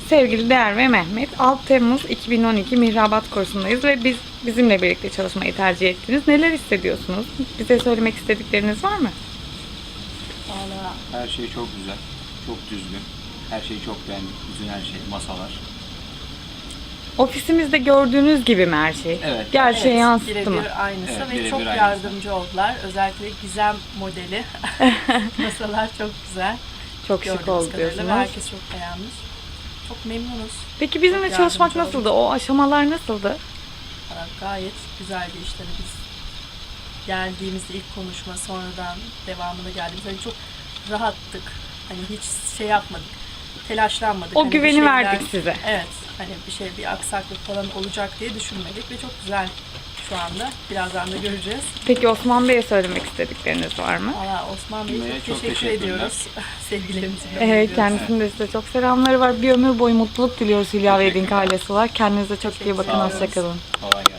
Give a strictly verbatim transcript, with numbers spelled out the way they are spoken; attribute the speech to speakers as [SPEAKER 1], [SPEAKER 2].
[SPEAKER 1] Sevgili Değer ve Mehmet, altı Temmuz iki bin on iki Mihrabat kursundayız ve biz bizimle birlikte çalışmayı tercih ettiniz. Neler hissediyorsunuz? Bize söylemek istedikleriniz var mı?
[SPEAKER 2] Valla
[SPEAKER 3] Her şey çok güzel, çok düzgün. Her şeyi çok beğendim. Bütün her şey, masalar.
[SPEAKER 1] Ofisimizde gördüğünüz gibi mi her şey?
[SPEAKER 3] Evet.
[SPEAKER 1] Gerçeğe
[SPEAKER 2] evet,
[SPEAKER 1] yansıttı mı?
[SPEAKER 2] birebir aynısı
[SPEAKER 3] Evet,
[SPEAKER 2] ve
[SPEAKER 3] birebir
[SPEAKER 2] çok
[SPEAKER 3] aynısı.
[SPEAKER 2] yardımcı oldular. Özellikle Gizem modeli. Masalar çok güzel.
[SPEAKER 1] Çok şık
[SPEAKER 2] Gördüğünüz
[SPEAKER 1] oldu
[SPEAKER 2] kadarıyla ve
[SPEAKER 1] diyorsunuz.
[SPEAKER 2] herkes çok beğenmiş. Çok memnunuz.
[SPEAKER 1] Peki bizimle
[SPEAKER 2] Çok
[SPEAKER 1] çalışmak
[SPEAKER 2] yardımcı
[SPEAKER 1] nasıldı? O aşamalar nasıldı?
[SPEAKER 2] Valla gayet güzeldi işte. Hani biz geldiğimizde ilk konuşma, sonradan devamına geldiğimizde hani çok rahattık. Hani hiç şey yapmadık. Telaşlanmadık.
[SPEAKER 1] O
[SPEAKER 2] Hani bir
[SPEAKER 1] güveni
[SPEAKER 2] şeyden-
[SPEAKER 1] verdik size.
[SPEAKER 2] Evet. Hani bir şey, bir aksaklık falan olacak diye düşünmedik ve çok güzel şu anda. Birazdan da göreceğiz.
[SPEAKER 1] Peki Osman Bey'e söylemek istedikleriniz var mı?
[SPEAKER 2] Valla Osman Bey'e
[SPEAKER 3] Bey'e
[SPEAKER 2] çok,
[SPEAKER 3] çok
[SPEAKER 2] teşekkür
[SPEAKER 3] teşekkürler.
[SPEAKER 2] ediyoruz. Sevgilerimizi
[SPEAKER 1] Evet,
[SPEAKER 2] gönderiyoruz.
[SPEAKER 1] kendisinin de size çok selamları var. Bir ömür boyu mutluluk diliyoruz Hülya ve
[SPEAKER 3] Teşekkürler.
[SPEAKER 1] Edink ailesi olarak. Kendinize çok iyi bakın.
[SPEAKER 2] Teşekkür
[SPEAKER 1] Hoşçakalın.
[SPEAKER 3] Kolay gelsin.